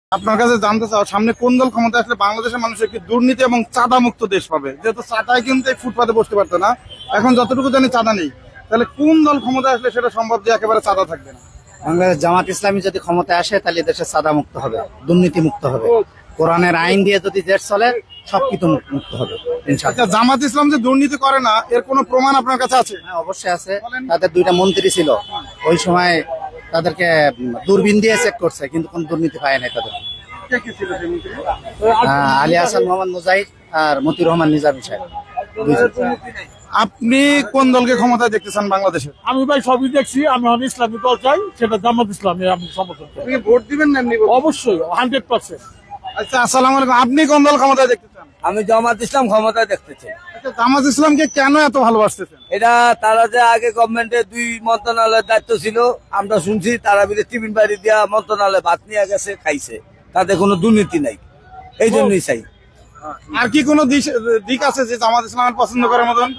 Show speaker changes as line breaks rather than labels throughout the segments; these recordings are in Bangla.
আপনার কাছে জানতে চাও, সামনে কোন দল ক্ষমতা আসলে বাংলাদেশের মানুষ একটি দুর্নীতি এবং চাঁদা মুক্ত দেশ পাবে? যেহেতু চাঁদায় কিন্তু এই ফুটপাতে বসতে পারতো না, এখন যতটুকু জানি চাঁদা নেই। তাহলে কোন দল ক্ষমতা আসলে সেটা সম্ভব যে একেবারে চাঁদা থাকবে না?
বাংলাদেশ জামাত ইসলামী যদি ক্ষমতায় আসে তাহলে দেশে সাদা মুক্ত হবে, দুর্নীতি মুক্ত হবে, কোরআনের আইন দিয়ে যদি দেশ চলে সবকিছু মুক্ত হবে ইনশাআল্লাহ।
আচ্ছা, জামাত ইসলাম যে দুর্নীতি করে না এর কোনো প্রমাণ আপনার কাছে আছে?
হ্যাঁ, অবশ্যই আছে। তাদের দুইটা মন্ত্রী ছিল, ওই সময় তাদেরকে দূরবীন দিয়ে চেক করছে, কিন্তু কোন দুর্নীতি পায় নাই তাদের। আলী হাসান মোহাম্মদ মুজাহিদ আর মতিউর রহমান নিজামী সাহেব।
আপনি কোন দলকে ক্ষমতায় দেখতে চান বাংলাদেশে?
আমি ভাই সবই দেখছি, আমি ইসলামী দল চাই, সেটা জামাত ইসলামী আমি সমর্থন করি।
আপনি ভোট দিবেন না এমনি?
অবশ্যই 100%।
আচ্ছা, আসসালামু আলাইকুম। আপনি কোন দল ক্ষমতায় দেখতে চান?
আমি জামাত ইসলাম ক্ষমতায় দেখতে চাই।
আচ্ছা, জামাত ইসলামকে কেন এত ভালোবাসতেছেন?
এটা তারা যে আগে গভর্নমেন্টের 2 মন্ত্রণালয়ের দায়িত্ব ছিল, আমরা শুনছি তারা মিলে টিফিন বাড়ি দিয়া মন্ত্রণালয়ে ভাত নিয়ে গেছে, খাইছে, তাতে কোনো দুর্নীতি নাই, এই জন্যই চাই।
আর কি কোনো দিক আছে যে জামাত ইসলামের পছন্দ করার মতন?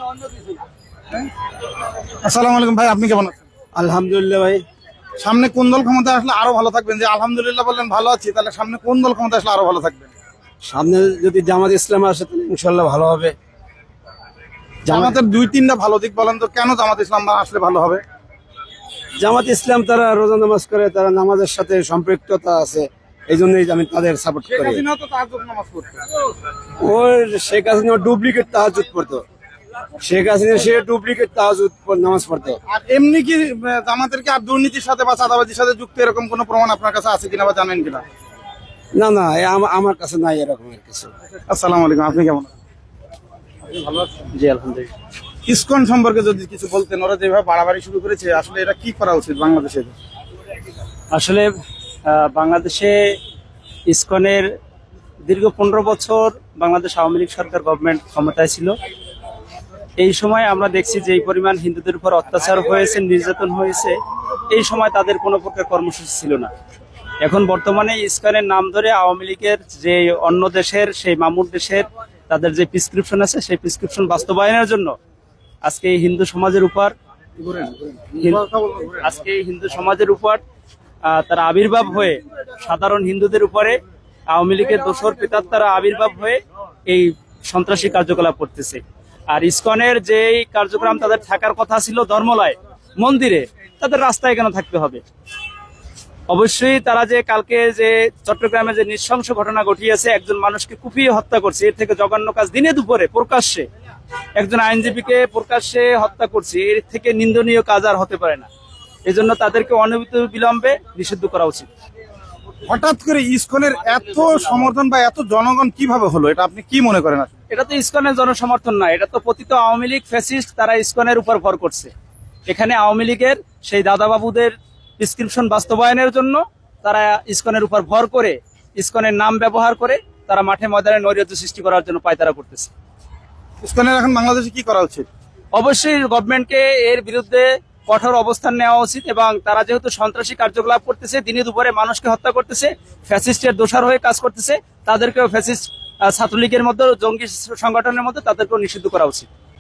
আসসালামু আলাইকুম ভাই, আপনি কেমন আছেন?
আলহামদুলিল্লাহ ভাই।
সামনে কোন দল ক্ষমতা আসলে আরো ভালো থাকবেন? যে আলহামদুলিল্লাহ বললেন ভালো আছি, তাহলে সামনে কোন দল ক্ষমতা আসলে আরো ভালো থাকবেন?
সামনে যদি জামাত ইসলাম আসে তাহলে ইনশাল্লাহ ভালো হবে।
জামাতের 2-3টা ভালো দিক বলেন তো, কেন জামাত ইসলাম আসলে ভালো হবে?
জামাত ইসলাম তারা রোজা নামাজ করে, তারা নামাজের সাথে সম্পৃক্ততা আছে, এই জন্যই আমি তাদের সাপোর্ট
শেখ
করি।
হাসিনাও তো তাহাজ্জুদ নামাজ পড়তো।
ওর শেখ হাসিনা ডুপ্লিকেট তাহাজ্জুদ পড়তো, শেখ হাসিনা সে ডুপ্লিকেট তাহাজ্জুদ নামাজ পড়তো।
আর এমনি কি জামাতের কি আর দুর্নীতির সাথে বা চাঁদাবাজির সাথে যুক্ত এরকম কোনো প্রমাণ আপনার কাছে আছে কিনা বা জানেন কিনা?
না না, আমার কাছে নাই এরকমের কিছু।
আসসালামু আলাইকুম, আপনি কেমন আছেন?
জি আলহামদুলিল্লাহ।
ইসকন সম্পর্কে যদি কিছু বলতেন, ওরা যেভাবে বাড়াবাড়ি শুরু করেছে, আসলে এটা কি করা উচিত বাংলাদেশে?
আসলে বাংলাদেশে ইসকনের দীর্ঘ 15 বছর বাংলাদেশ আওয়ামী লীগ সরকার গভর্নমেন্ট ক্ষমতায় ছিল। এই সময় আমরা দেখছি যে এই পরিমাণ হিন্দুদের উপর অত্যাচার হয়েছে, নির্যাতন হয়েছে, এই সময় তাদের কোনো প্রকার কর্মসূচি ছিল না। এখন বর্তমানে ইসকনের নাম ধরে আওয়ামী লীগের যে অন্য দেশের সেই মামুর দেশের তাদের যে প্রেসক্রিপশন আছে, সেই প্রেসক্রিপশন বাস্তবায়নের জন্য আজকে এই হিন্দু সমাজের উপর তারা আবির্ভাব হয়ে, সাধারণ হিন্দুদের উপরে আওয়ামী লীগের দোসর পিতাত্তারা আবির্ভাব হয়ে এই সন্ত্রাসী কার্যকলাপ করতেছে। আর ইসকনের যে কার্যক্রম তাদের থাকার কথা ছিল ধর্মলয় মন্দিরে, তাদের রাস্তায় কেন থাকতে হবে? অবশ্যই তারা যে কালকে যে চট্টগ্রামে যে নৃশংস ঘটনা ঘটিয়েছে, একজন মানুষকে কুপিয়ে হত্যা করছে, এর থেকে জঘন্য কাজ দিনে দুপুরে প্রকাশ্যে একজন আইনজীবীকে প্রকাশ্যে হত্যা করছে, এর থেকে নিন্দনীয় কাজ আর হতে পারে না। এজন্য তাদেরকে অনবিত বিলম্বে নিষিদ্ধ করা উচিত।
হঠাৎ করে ইসকনের এত সমর্থন বা এত জনগণ কিভাবে হলো, এটা আপনি কি মনে করেন?
এটা তো ইসকনের জনসমর্থন না, এটা তো পতিত আওয়ামী লীগ ফ্যাসিস্ট, তারা ইসকনের উপর ভর করছে। এখানে আওয়ামী লীগের সেই দাদাবাবুদের প্রেসক্রিপশন বাস্তবায়নের জন্য তারা ইসকনের উপর ভর করে, ইসকনের নাম ব্যবহার করে তারা মাঠে ময়দানে নৈরাজ্য সৃষ্টি করার জন্য পায়তারা করতেছে।
ইসকনের এখন বাংলাদেশে কি করা উচিত?
অবশ্যই গভর্নমেন্টকে এর বিরুদ্ধে কঠোর অবস্থান নেওয়া উচিত, এবং তারা যেহেতু সন্ত্রাসী কার্যকলাপ করতেছে, দিনে দুপুরে মানুষকে হত্যা করতেছে, ফ্যাসিস্টের দোষর হয়ে কাজ করতেছে, তাদেরকেও ফ্যাসিস্ট ছাত্রলীগের মধ্যে, জঙ্গি সংগঠনের মধ্যে তাদেরকেও নিষিদ্ধ করা উচিত।